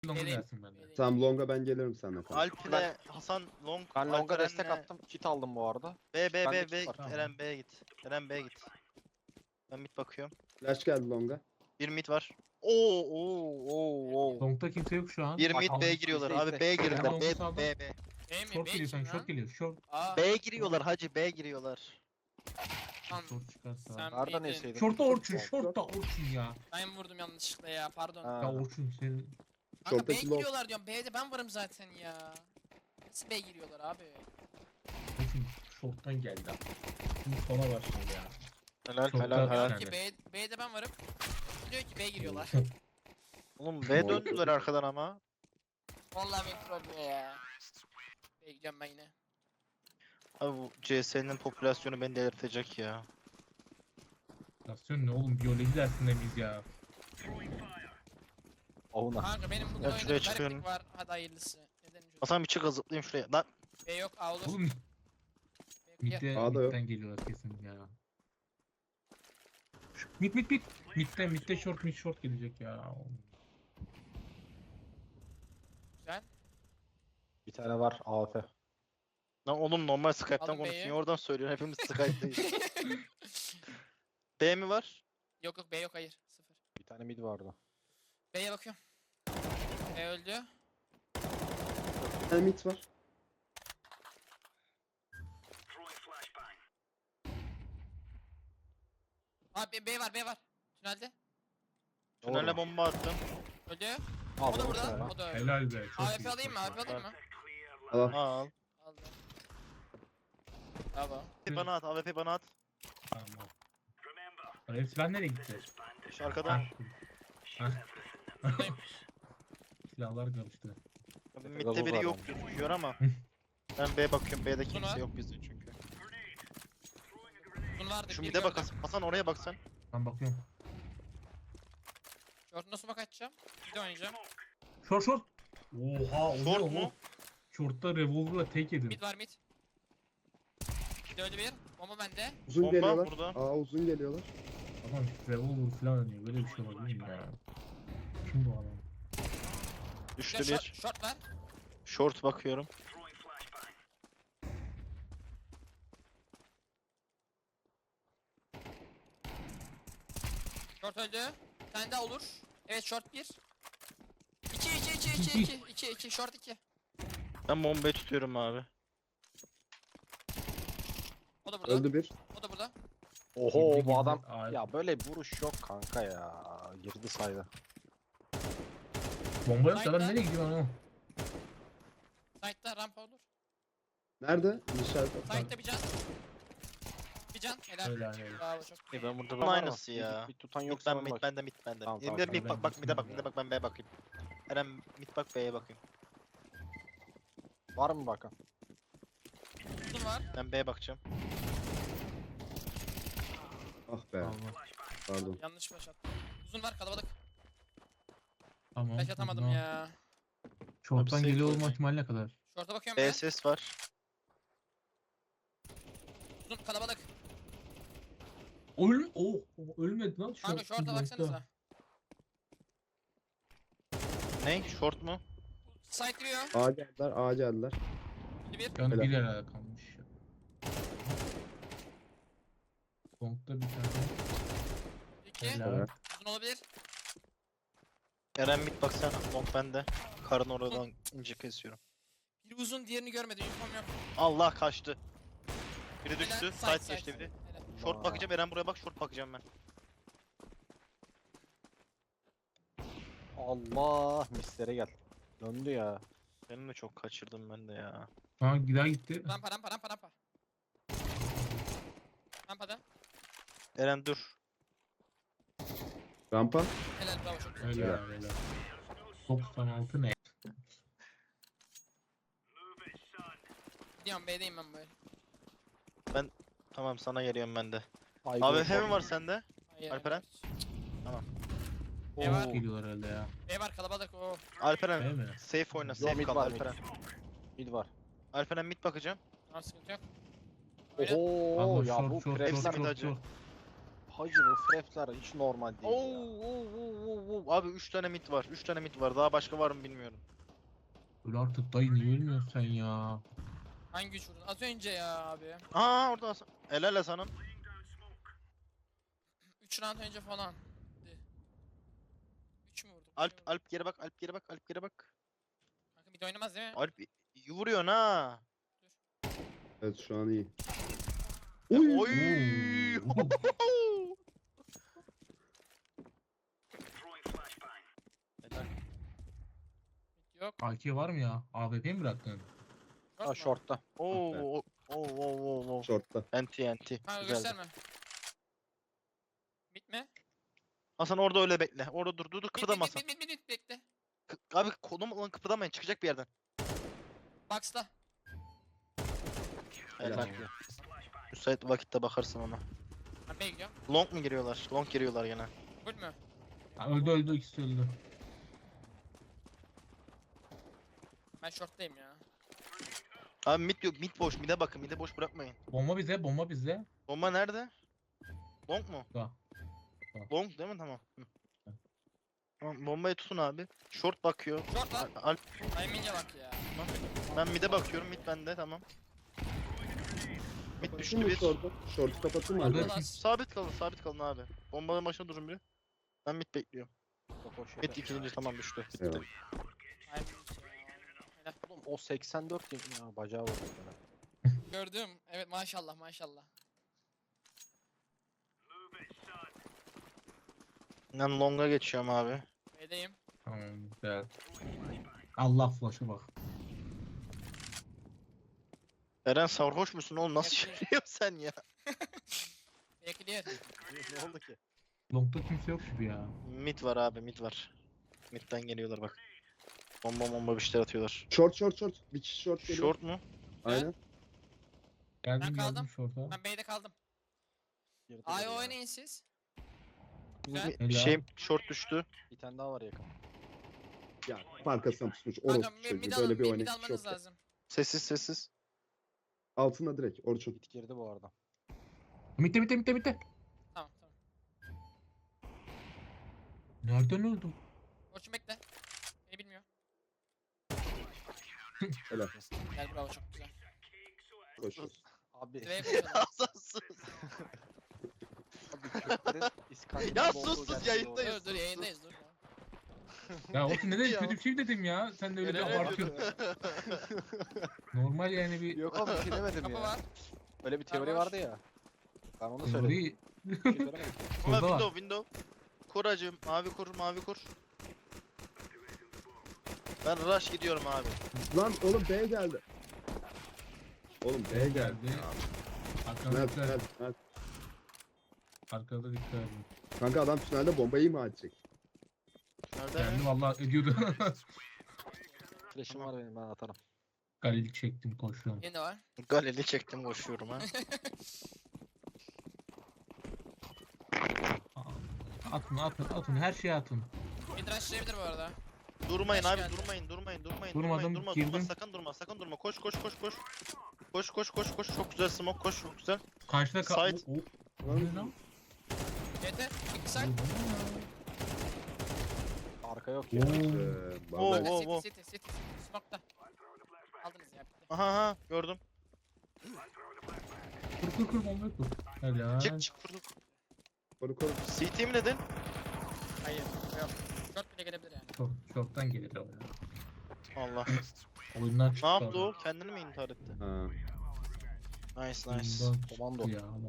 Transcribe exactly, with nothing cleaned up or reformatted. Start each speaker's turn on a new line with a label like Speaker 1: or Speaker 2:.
Speaker 1: Long'a
Speaker 2: Geleyim.
Speaker 1: gelsin benden.
Speaker 3: Tamam Long'a ben gelirim seninle kanka.
Speaker 4: Alp'le Hasan Long.
Speaker 5: Ben Long'a
Speaker 4: Alperen'le
Speaker 5: destek attım. Kit aldım bu arada.
Speaker 4: B B
Speaker 5: Bende
Speaker 4: B
Speaker 5: kit
Speaker 4: B.
Speaker 5: var.
Speaker 1: Tamam.
Speaker 4: Eren B'ye git. Eren B'ye git. Ben mid bakıyorum.
Speaker 3: Flash geldi Long'a.
Speaker 4: Bir mid var. Oo oo oo oo.
Speaker 1: Long'da kimse yok şu an.
Speaker 4: Bir
Speaker 5: Bak,
Speaker 4: mid
Speaker 5: al,
Speaker 4: B'ye
Speaker 5: izle,
Speaker 4: giriyorlar.
Speaker 5: izle.
Speaker 4: Abi B'ye
Speaker 1: Ben
Speaker 4: girdiler.
Speaker 1: Long'u
Speaker 4: B
Speaker 1: saldım.
Speaker 4: B B.
Speaker 2: B mi?
Speaker 1: Short
Speaker 2: B
Speaker 1: geliyor
Speaker 2: kim
Speaker 1: sen, short
Speaker 2: lan?
Speaker 1: geliyor. Short.
Speaker 2: Aa,
Speaker 4: B'ye giriyorlar hacı. B'ye giriyorlar.
Speaker 2: tamam.
Speaker 1: Short çıkarsa.
Speaker 2: Sen
Speaker 5: Nereden
Speaker 2: miydin?
Speaker 5: yeseydin?
Speaker 1: Short'ta Orçun, short'ta Orçun ya.
Speaker 2: Ben vurdum yanlışlıkla ya pardon.
Speaker 5: Ha.
Speaker 1: Ya Orçun senin...
Speaker 2: Kanka B'ye
Speaker 3: Short'taki long.
Speaker 2: giriyorlar diyorum. B'de ben varım zaten ya. Nasıl B'ye giriyorlar abi?
Speaker 1: Orçun short'tan geldi abi. Şimdi sona başladı ya.
Speaker 4: Helal
Speaker 1: Çok
Speaker 4: helal
Speaker 1: da-
Speaker 4: helal.
Speaker 2: Diyor ki B, B'de ben varım. Diyor ki B'ye giriyorlar.
Speaker 4: Oğlum B döndüler arkadan ama.
Speaker 2: Vallahi beni trollüyor ya. B'ye gideceğim ben yine.
Speaker 4: Abi bu C S'nin popülasyonu beni delirtecek ya.
Speaker 1: Nasyon ne oğlum, biyoloji dersinde biz ya.
Speaker 5: Ovuna.
Speaker 2: Kanka benim bugün
Speaker 4: Ben
Speaker 2: oyunda
Speaker 4: şuraya
Speaker 2: bir
Speaker 4: çıkıyorum.
Speaker 2: gariplik var. Hadi hayırlısı. Neden çocuk?
Speaker 4: Hasan bir çık zıplayayım şuraya. Lan
Speaker 2: B yok A olur.
Speaker 1: Oğlum
Speaker 2: B yok.
Speaker 1: midde,
Speaker 3: A'da yok.
Speaker 1: midden geliyorlar kesin ya. Mid mid mid. Midde midde short mid short gelecek ya.
Speaker 2: Güzel.
Speaker 5: Bir tane var A F.
Speaker 4: lan oğlum normal Skype'tan
Speaker 2: Alın
Speaker 4: konuşuyor.
Speaker 2: B'yi.
Speaker 4: Oradan söylüyor. Hepimiz Skype'dayız. B mi var?
Speaker 2: Yok yok B yok hayır. Sıfır.
Speaker 5: Bir tane mid vardı.
Speaker 2: B'ye bakıyorum. B öldü.
Speaker 3: Bir tane mid var.
Speaker 2: Abi B, B var B var. Tünelde.
Speaker 4: Tünele bomba attım.
Speaker 2: Öldü.
Speaker 5: Al
Speaker 2: O da burada.
Speaker 5: bunu.
Speaker 2: O da öldü.
Speaker 1: Helal be. Çok
Speaker 2: A F
Speaker 1: iyi,
Speaker 2: alayım mı?
Speaker 1: çok
Speaker 2: A F alayım mı?
Speaker 3: Al.
Speaker 4: Al.
Speaker 2: Aldım. Bravo.
Speaker 4: Bana at. A W P bana at.
Speaker 1: iyi. Tamam. Lan hepsi ben nereye gitti?
Speaker 4: Şu arkadan.
Speaker 1: Ha.
Speaker 2: Buradayım.
Speaker 1: Silahlar karıştı.
Speaker 4: Mid'de biri yok gözüküyor ama. Ben B'ye bakıyorum. B'de
Speaker 2: Uzun var.
Speaker 4: kimse yok bizde çünkü.
Speaker 2: Uzun vardı.
Speaker 4: Şu
Speaker 2: bir
Speaker 4: mid'e bak
Speaker 2: gördüm.
Speaker 4: Hasan. Hasan oraya bak sen.
Speaker 1: Ben bakıyorum.
Speaker 2: Short'una smoke açacağım. Bir de oynayacağım.
Speaker 1: Short short. Oha, o ne
Speaker 4: Short
Speaker 1: o?
Speaker 4: mu?
Speaker 1: Short'ta revolver'la tek yedim.
Speaker 2: Mid var mid. Bir de öldü bir. Bomba bende.
Speaker 3: Uzun
Speaker 4: Bomba
Speaker 3: geliyorlar.
Speaker 4: burada.
Speaker 3: Aa uzun geliyorlar.
Speaker 1: Adam revolver falan oynuyor. Böyle bir şey olabilir mi ya? Kim bu adam?
Speaker 2: Bir
Speaker 4: Düştü
Speaker 2: de short,
Speaker 4: bir.
Speaker 2: short var.
Speaker 4: Short bakıyorum.
Speaker 2: Short öldü. Bir tane daha olur. Evet short bir. İki iki iki iki iki. iki iki short iki.
Speaker 4: Ben bombayı tutuyorum abi.
Speaker 2: O da burada.
Speaker 3: Öldü bir.
Speaker 2: O da burada.
Speaker 5: Oho
Speaker 1: Girdi,
Speaker 5: bu adam.
Speaker 1: girdi. Ay.
Speaker 5: Ya böyle bir vuruş yok kanka ya. Girdi saydı.
Speaker 1: Bomba yok da adam
Speaker 2: Light'ta.
Speaker 1: nereye gidiyor lan o?
Speaker 2: Side'da rampa olur.
Speaker 3: Nerede? Nişan.
Speaker 2: Side'da bir can. Bir can. Helal.
Speaker 1: Helal helal.
Speaker 2: Bravo çok.
Speaker 4: E ben burada
Speaker 5: Var mı?
Speaker 4: aynısı ya.
Speaker 5: Bir, bir tutan
Speaker 4: Mid
Speaker 5: yoksa
Speaker 4: ben
Speaker 5: ben
Speaker 4: mid
Speaker 5: bak.
Speaker 4: bende mid bende.
Speaker 5: Tamam, tamam,
Speaker 4: Emre
Speaker 5: tamam.
Speaker 4: mid bak bak mid'e bak mid'e bak ben B'ye bakayım. Eren mid bak B'ye bakayım.
Speaker 5: Var mı bakan?
Speaker 2: Uzun var.
Speaker 4: Ben B'ye bakacağım.
Speaker 3: Ah be.
Speaker 1: Tamam.
Speaker 3: Pardon.
Speaker 2: Yanlış flash attım. Uzun var kalabalık.
Speaker 1: Tamam.
Speaker 2: Flash atamadım
Speaker 1: tamam.
Speaker 2: ya.
Speaker 1: Short'tan
Speaker 4: Abi,
Speaker 1: geliyor
Speaker 4: safe
Speaker 1: olma
Speaker 4: oynayın.
Speaker 1: ihtimali ne kadar?
Speaker 2: Short'a bakıyorum
Speaker 4: B
Speaker 2: ben.
Speaker 4: ses var.
Speaker 2: Uzun kalabalık.
Speaker 1: Öl oh, ölmedi lan.
Speaker 2: Kanka short'a baksanıza.
Speaker 4: Ne? Short mu?
Speaker 2: Side giriyor.
Speaker 3: A geldiler. A geldiler.
Speaker 2: Bir bir.
Speaker 1: Yani
Speaker 3: Helal.
Speaker 1: bir herhalde kalmış. Long'da bir tane.
Speaker 2: İki.
Speaker 1: Helal.
Speaker 3: Evet.
Speaker 2: Uzun olabilir.
Speaker 4: Eren mid bak sen long bende. Karın oradan ince kesiyorum.
Speaker 2: Biri uzun diğerini görmedi. Uniform yok.
Speaker 4: Allah kaçtı. Biri
Speaker 2: Helal,
Speaker 4: düştü.
Speaker 2: side,
Speaker 4: Side geçti biri.
Speaker 2: Helal.
Speaker 4: Short
Speaker 5: Vay.
Speaker 4: bakacağım Eren buraya bak short bakacağım ben.
Speaker 5: Allah mislere gel. Döndü ya.
Speaker 4: Benim de çok kaçırdım ben de ya.
Speaker 1: Ha gider gitti.
Speaker 2: Rampa rampa rampa rampa. Rampada.
Speaker 4: Eren dur.
Speaker 3: Rampa.
Speaker 2: Helal bravo çok güzel.
Speaker 1: Helal helal. doksan altı ne?
Speaker 2: Gidiyorum B'deyim ben böyle.
Speaker 4: Tamam sana geliyorum ben de.
Speaker 5: Ay,
Speaker 4: A W
Speaker 5: gol,
Speaker 4: P mi
Speaker 5: gol.
Speaker 4: var sende?
Speaker 2: Hayır,
Speaker 4: Alperen?
Speaker 2: evet.
Speaker 1: Oo,
Speaker 2: Ne var?
Speaker 1: geliyorlar herhalde ya.
Speaker 2: B var kalabalık o.
Speaker 4: Alperen
Speaker 1: Değil mi?
Speaker 4: safe oyna
Speaker 5: Yo,
Speaker 4: safe
Speaker 5: mid
Speaker 4: kal
Speaker 5: var, mid.
Speaker 4: Alperen.
Speaker 5: Mid var.
Speaker 4: Alperen mid bakacağım.
Speaker 2: Tamam sıkıntı yok. Oyna.
Speaker 5: Oho
Speaker 1: Allah
Speaker 5: ya
Speaker 1: short
Speaker 5: bu
Speaker 1: short
Speaker 5: prepler
Speaker 1: short
Speaker 4: hepsi
Speaker 1: short
Speaker 4: midacı.
Speaker 1: short.
Speaker 5: Hacı bu frapler hiç normal değil
Speaker 4: Oo,
Speaker 5: ya.
Speaker 4: oo, oo, oo, oo. Abi üç tane mid var. üç tane mid var. Daha başka var mı bilmiyorum.
Speaker 1: Öyle artık dayı niye ölmüyorsun sen ya?
Speaker 2: Hangi güç vurdun? Az önce ya abi.
Speaker 4: Aa orada Hasan. El ele sana.
Speaker 2: üç round önce falan. üç mü vurduk?
Speaker 4: Alp Alp geri bak. Alp geri bak. Alp geri bak.
Speaker 2: Kanka bir de oynamaz değil mi?
Speaker 4: Alp iyi vuruyorsun ha.
Speaker 3: Evet şu an iyi.
Speaker 4: Ya,
Speaker 3: Oy.
Speaker 4: Oy.
Speaker 1: Oo.
Speaker 4: Helal.
Speaker 2: Yok.
Speaker 1: A K var mı ya? A W P mi bıraktın?
Speaker 2: Yok
Speaker 5: Ha
Speaker 2: mu?
Speaker 5: short'ta.
Speaker 4: Oo,
Speaker 3: be.
Speaker 4: oo, oo, oo, oo.
Speaker 3: Short'ta.
Speaker 4: Enti enti.
Speaker 2: Kanka
Speaker 4: Güzeldi.
Speaker 2: gösterme. Bitme.
Speaker 4: Hasan orada öyle bekle. Orada dur dur dur
Speaker 2: Bit bit
Speaker 4: kıpırdama
Speaker 2: bit
Speaker 4: Hasan.
Speaker 2: bit bit bit bekle.
Speaker 4: Kı- Abi kolum lan kıpırdamayın çıkacak bir yerden.
Speaker 2: Box'ta.
Speaker 4: Helal.
Speaker 3: Helal.
Speaker 4: Müsait vakitte bakarsın ona.
Speaker 2: Ben B'ye gidiyorum.
Speaker 4: Long mu giriyorlar? Long giriyorlar gene.
Speaker 2: Full mü?
Speaker 1: Ha, öldü öldü ikisi öldü.
Speaker 2: Ben short'tayım ya.
Speaker 4: Abi mid yok. Mid boş. Mid'e bakın. Mid'e boş bırakmayın.
Speaker 1: Bomba bize, bomba bizde.
Speaker 4: Bomba nerede? Long mu?
Speaker 1: Da.
Speaker 4: Long değil mi? Tamam. Hı. Tamam bombayı tutun abi. Short bakıyor.
Speaker 2: Short lan.
Speaker 4: Al- Alp
Speaker 2: Timing'e bak ya.
Speaker 4: ben mid'e bakıyorum. Mid bende tamam. Mid düştü
Speaker 3: Kapatın mı
Speaker 4: bir.
Speaker 3: short'u? Short'u kapatın mı?
Speaker 1: Orada-
Speaker 3: arkadaşlar?
Speaker 2: Ulan.
Speaker 4: Sabit kalın, sabit kalın abi. Bombanın başına durun biri. Ben mid bekliyorum.
Speaker 5: Çok hoş
Speaker 4: Mid
Speaker 5: yedi.
Speaker 4: ikinci tamam düştü. Bitti.
Speaker 3: Evet.
Speaker 2: Timing ya. Helal.
Speaker 5: Oğlum o seksen dört yemin ya bacağı vurdu bana.
Speaker 2: Gördüm. Evet maşallah maşallah.
Speaker 4: Ben long'a geçiyorum abi.
Speaker 2: B'deyim.
Speaker 1: Tamam güzel. Allah flash'a bak.
Speaker 4: Eren sarhoş musun oğlum? Nasıl
Speaker 2: Yakın.
Speaker 4: söylüyorsun sen ya?
Speaker 2: B clear.
Speaker 5: Ne oldu ki?
Speaker 1: Long'da kimse yok gibi ya.
Speaker 4: Mid var abi, mid var. Mid'den geliyorlar bak. Bomba bomba bir şeyler atıyorlar.
Speaker 3: Short short short. Bir kişi short geliyor.
Speaker 4: Short mu?
Speaker 3: Aynen.
Speaker 1: Geldim
Speaker 2: Ben kaldım.
Speaker 1: geldim short'a.
Speaker 2: Ben B'de kaldım.
Speaker 5: Girdi
Speaker 2: A'ya
Speaker 5: geri ya.
Speaker 2: oynayın siz. Güzel.
Speaker 4: Bir, bir
Speaker 1: Helal.
Speaker 4: şey short düştü.
Speaker 5: Bir tane daha var yakın.
Speaker 3: Ya arkasına pusmuş.
Speaker 2: Kanka
Speaker 3: Orospu
Speaker 2: mid,
Speaker 3: çocuğu.
Speaker 2: mid,
Speaker 3: Böyle
Speaker 2: alın,
Speaker 3: bir
Speaker 2: mid, mid
Speaker 3: oynayış
Speaker 2: almanız
Speaker 3: yok. ya.
Speaker 2: lazım.
Speaker 4: Sessiz sessiz.
Speaker 3: Altına direkt Orçun.
Speaker 5: Git girdi bu arada.
Speaker 1: Mitte mitte mitte mitte.
Speaker 2: Tamam tamam.
Speaker 1: Nereden öldüm?
Speaker 2: Orçun bekle. Beni bilmiyor.
Speaker 3: Helal.
Speaker 2: Gel bravo çok güzel.
Speaker 3: Koşuyoruz.
Speaker 5: Abi,
Speaker 2: D'ye koşalım.
Speaker 4: Hasan sus.
Speaker 5: abi Kürtlerin İskandinav
Speaker 4: Ya
Speaker 5: olduğu
Speaker 4: sus, sus,
Speaker 5: gerçeği
Speaker 4: yayındayız.
Speaker 5: doğru.
Speaker 2: Dur dur yayındayız dur.
Speaker 1: Ya Orçun neden
Speaker 4: Ya.
Speaker 1: kötü bir şey mi dedim ya? Sen de öyle bir
Speaker 4: Eren öyle
Speaker 1: abartıyorsun.
Speaker 4: diyor.
Speaker 1: Normal yani bir
Speaker 5: Yok abi bir şey demedim
Speaker 2: Kapı
Speaker 5: ya.
Speaker 2: var.
Speaker 5: Öyle bir teori
Speaker 2: var.
Speaker 5: vardı ya. Ben onu söyledim.
Speaker 1: teori.
Speaker 5: Bir şey söylemedim.
Speaker 4: Ama
Speaker 1: Şurada var.
Speaker 4: window window. Kur acım. Mavi kur mavi kur. Ben rush gidiyorum abi.
Speaker 3: Lan oğlum B geldi. Oğlum B geldi.
Speaker 1: geldi. Arkada
Speaker 3: Mert,
Speaker 1: dikkat.
Speaker 3: Mert, Mert.
Speaker 1: Arkada dikkat edin.
Speaker 3: Kanka adam tünelde bombayı imha edecek.
Speaker 4: Nerede?
Speaker 1: Kendi vallahi ediyordu.
Speaker 5: Flash'ım var benim ben atarım.
Speaker 1: Galil çektim koşuyorum.
Speaker 2: Yine de var.
Speaker 4: Galeli çektim koşuyorum ha.
Speaker 1: Atın atın atın her şeyi atın.
Speaker 2: Mid rushlayabilir bu arada.
Speaker 4: Durmayın
Speaker 2: Hoş
Speaker 4: abi
Speaker 2: geldin.
Speaker 4: durmayın durmayın durmayın
Speaker 1: Durmadım,
Speaker 4: durmayın durma durma
Speaker 1: girdim.
Speaker 4: sakın durma sakın durma koş koş koş koş. Koş koş koş koş çok güzel smoke koş çok güzel.
Speaker 1: Karşıda kal.
Speaker 4: Side.
Speaker 1: O- o- ne lan?
Speaker 2: Yeter. İki side.
Speaker 5: Arka yok ya.
Speaker 1: Oo.
Speaker 3: Ee,
Speaker 4: Oo.
Speaker 3: vallahi.
Speaker 4: Wow,
Speaker 2: City
Speaker 4: wow.
Speaker 2: city city city. Smoke'ta. Aldınız ya bitti.
Speaker 4: Aha aha gördüm.
Speaker 1: Kur kur kur bombayı kur. Helal.
Speaker 4: Çık çık vurduk.
Speaker 3: Koru koru.
Speaker 4: C T mi dedin?
Speaker 2: Hayır. Yok. Short bile gelebilir yani.
Speaker 1: Short, short'tan gelir o ya.
Speaker 4: Allah.
Speaker 1: Oyundan
Speaker 4: Ne
Speaker 1: çıktı.
Speaker 4: yaptı
Speaker 1: adam.
Speaker 4: o? Kendini mi intihar etti?
Speaker 3: Ha.
Speaker 4: Nice nice.
Speaker 1: Oyundan
Speaker 5: Komando.
Speaker 1: çıktı ya.